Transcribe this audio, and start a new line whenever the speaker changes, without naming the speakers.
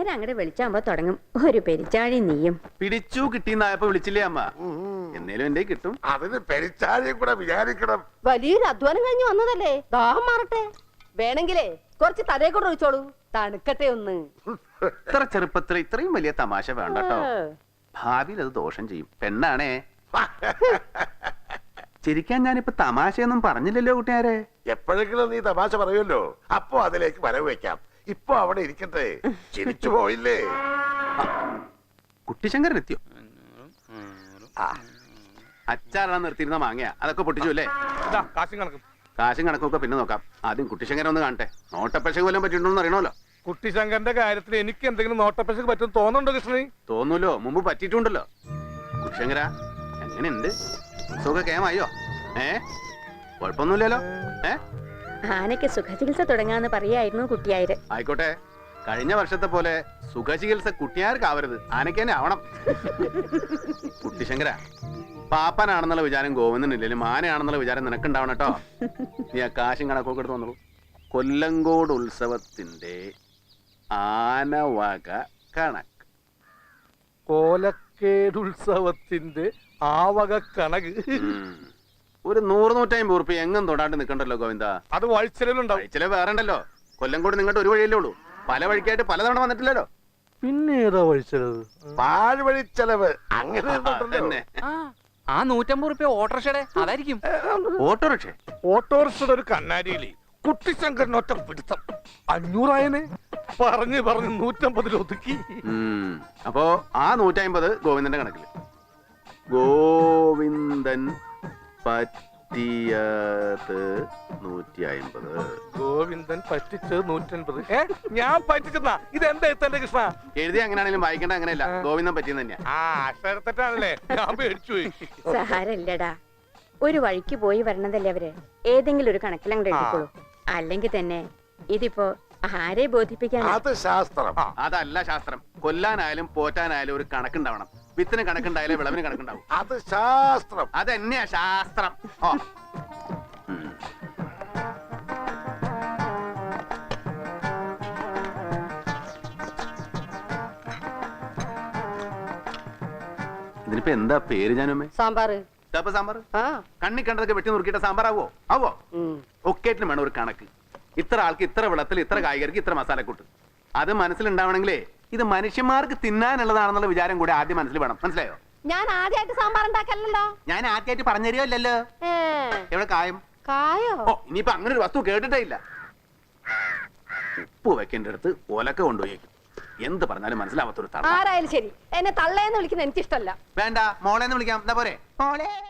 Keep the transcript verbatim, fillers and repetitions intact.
അങ്ങോട്ട് വിളിച്ചാകുമ്പോ തുടങ്ങും ഒരു പെരിച്ചാഴി നീയും.
പിടിച്ചു കിട്ടിയെന്നായപ്പോ വിളിച്ചില്ലേ അമ്മ? എന്നേലും എന്റെ കിട്ടും.
അതിന് പെരിച്ചാഴിയും കൂടെ വിചാരിക്കണം.
വലിയൊരു അധ്വാനം കഴിഞ്ഞ് വന്നതല്ലേ, ദാഹം മാറട്ടെ. വേണമെങ്കിലേ കുറച്ച് തലയെ കൂടെ ഒഴിച്ചോളൂ, തണുക്കട്ടെ ഒന്ന്.
ഇത്ര ചെറുപ്പത്തിൽ ഇത്രയും വലിയ തമാശ വേണ്ട കേട്ടോ. ഭാവിയിൽ അത് ദോഷം ചെയ്യും. പെണ്ണാണേ. ചിരിക്കാൻ ഞാനിപ്പോ തമാശയൊന്നും പറഞ്ഞില്ലല്ലോ കൂട്ടുകാരെ.
എപ്പോഴെങ്കിലും നീ തമാശ പറയുമല്ലോ, അപ്പൊ അതിലേക്ക് വരവ് വെക്കാം. ഇപ്പൊ അവിടെ ഇരിക്കട്ടെ. ചിരിച്ചു പോയില്ലേ?
കുട്ടിശങ്കരൻ എത്തിയോ? അച്ചാറാണ് നിർത്തിയിരുന്ന മാങ്ങയാ, അതൊക്കെ പൊട്ടിച്ചു അല്ലേ? കാശും കണക്കൊക്കെ പിന്നെ നോക്കാം. ആദ്യം കുട്ടിശങ്കരൻ ഒന്ന് കാണട്ടെ. നോട്ടപ്പശക്ക് വല്ലതും പറ്റിയിട്ടുണ്ടോന്ന് അറിയണമല്ലോ.
കുട്ടിശങ്കരന്റെ കാര്യത്തിൽ എനിക്ക് എന്തെങ്കിലും നോട്ടപ്പശക്ക് പറ്റും തോന്നുന്നുണ്ടോ കൃഷ്ണനി?
തോന്നൂലോ, മുമ്പ് പറ്റിയിട്ടുണ്ടല്ലോ. കുട്ടിശങ്കര എങ്ങനെയുണ്ട്? സുഖ കേമായോ? ഏ കുഴപ്പമൊന്നുമില്ലല്ലോ. ഏ
ആനയ്ക്ക് സുഖചികിത്സ തുടങ്ങാന്ന് പറയായിരുന്നു കുട്ടിയായത്.
ആയിക്കോട്ടെ, കഴിഞ്ഞ വർഷത്തെ പോലെ സുഖചികിത്സ കുട്ടിയാർക്കാവരുത്, ആനയ്ക്ക് തന്നെ ആവണം. കുട്ടിശങ്കര, പാപ്പനാണെന്നുള്ള വിചാരം ഗോവിന്ദനില്ലെങ്കിലും ആനയാണെന്നുള്ള വിചാരം നിനക്കുണ്ടാവണം കേട്ടോ. നീ ആ കാശും കണക്കൊക്കെ എടുത്ത് വന്നോളൂ. കൊല്ലങ്കോട് ഉത്സവത്തിന്റെ ആനവക കണക്ക്.
കോലക്കേടുത്സവത്തിന്റെ ആവക കണക്ക്
ഒരു നൂറ് നൂറ്റമ്പത് ഉറുപ്പ എങ്ങും തൊടാണ്ട് നിക്കണ്ടല്ലോ ഗോവിന്ദ.
അത് വഴിച്ചെലവുണ്ടാവും.
വഴിച്ചെലവ് വേറെ ഉണ്ടല്ലോ. കൊല്ലങ്കോട് നിങ്ങളുടെ ഒരു വഴിയല്ലേ ഉള്ളൂ. പല വഴിക്കായിട്ട് പലതവണ വന്നിട്ടില്ലല്ലോ.
പിന്നെ ഏതാ വഴിച്ചെലവ്?
പാഴ്വഴി ചെലവ് അങ്ങനെ
തന്നെ.
ആ നൂറ്റമ്പത് റുപ്യ ഓട്ടോറിക്ഷയുടെ അതായിരിക്കും.
ഓട്ടോറിക്ഷ
ഓട്ടോറിക്ഷയുടെ ഒരു കണ്ണാടിയില് കുട്ടിശങ്കരനൊറ്റ പിടുത്തം അഞ്ഞൂറായനെ പറഞ്ഞു പറഞ്ഞു നൂറ്റമ്പതിൽ ഒതുക്കി.
അപ്പോ ആ നൂറ്റമ്പത് ഗോവിന്ദന്റെ കണക്കില്. ഗോവിന്ദൻ പറ്റിയത് നൂറ്റി അമ്പത്.
ഗോവിന്ദൻ പറ്റിച്ചത് നൂറ്റൻപത്. ഏ ഞാൻ പറ്റിച്ചെന്നാ? ഇതെന്താ എത്തന്റെ കൃഷ്ണ?
എഴുതി അങ്ങനെയാണെങ്കിലും വായിക്കേണ്ട അങ്ങനെയല്ല. ഗോവിന്ദൻ പറ്റിയെന്ന് തന്നെയാ.
ആ അക്ഷരത്തെറ്റാണല്ലേ, ഞാൻ പേടിച്ചു പോയി.
സഹാരല്ലടാ, ഒരു വഴിക്ക് പോയി വരണതല്ലേ അവര്. ഏതെങ്കിലും ഒരു കണക്കിലങ്ങോട്ട് എഴുതിക്കോളൂ. അല്ലെങ്കിൽ തന്നെ ഇതിപ്പോ ആരെ ബോധിപ്പിക്കാൻ?
അത് ശാസ്ത്രം.
അതല്ല ശാസ്ത്രം. കൊല്ലാനായാലും പോറ്റാനായാലും ഒരു കണക്കുണ്ടാവണം. വിത്തിന് കണക്കുണ്ടായാലേ വിളവിന് കണക്കുണ്ടാവും.
അത് ശാസ്ത്രം.
അതെന്നെയാ ശാസ്ത്രം. ഓ ഇതിനിപ്പോ എന്താ പേര്? ഞാനമ്മേ
സാമ്പാറ്.
സാമ്പാർ
ആ
കണ്ണി കണ്ടതൊക്കെ വെട്ടി നുറുക്കിയിട്ട് സാമ്പാറാവോ? ആവോ? ഒക്കേറ്റിന് വേണം ഒരു കണക്ക്. ഇത്ര ആൾക്ക് ഇത്ര വെള്ളത്തിൽ, ഇത്ര കായികർക്ക് ഇത്ര മസാലക്കൂട്ട്. അത് മനസ്സിലുണ്ടാവണമെങ്കിലേ ഇത് മനുഷ്യന്മാർക്ക് തിന്നാനുള്ളതാണെന്നുള്ള വിചാരം കൂടെ ആദ്യം മനസ്സിൽ വേണം. മനസ്സിലായോ?
ഞാൻ ആദ്യമായിട്ട് സാമ്പാർ ഉണ്ടാക്കല്ലോ.
ഞാൻ ആദ്യമായിട്ട് പറഞ്ഞു തരുമല്ലോ. എവിടെ കായം?
കായോ?
ഓ ഇനിയിപ്പോ അങ്ങനെ ഒരു വസ്തു കേട്ടിട്ടേ ഇല്ല. ഉപ്പ് വെക്കേണ്ട അടുത്ത് ഒലക്ക കൊണ്ടുപോയി. എന്ത് പറഞ്ഞാലും മനസ്സിലാവാത്തൊരു തള്ള.
ആരായാലും ശരി, എന്നെ തള്ളേന്ന് വിളിക്കുന്ന എനിക്കിഷ്ടല്ല.
വേണ്ട, മോളേന്ന് വിളിക്കാം. എന്താ പോരെ? മോളെ.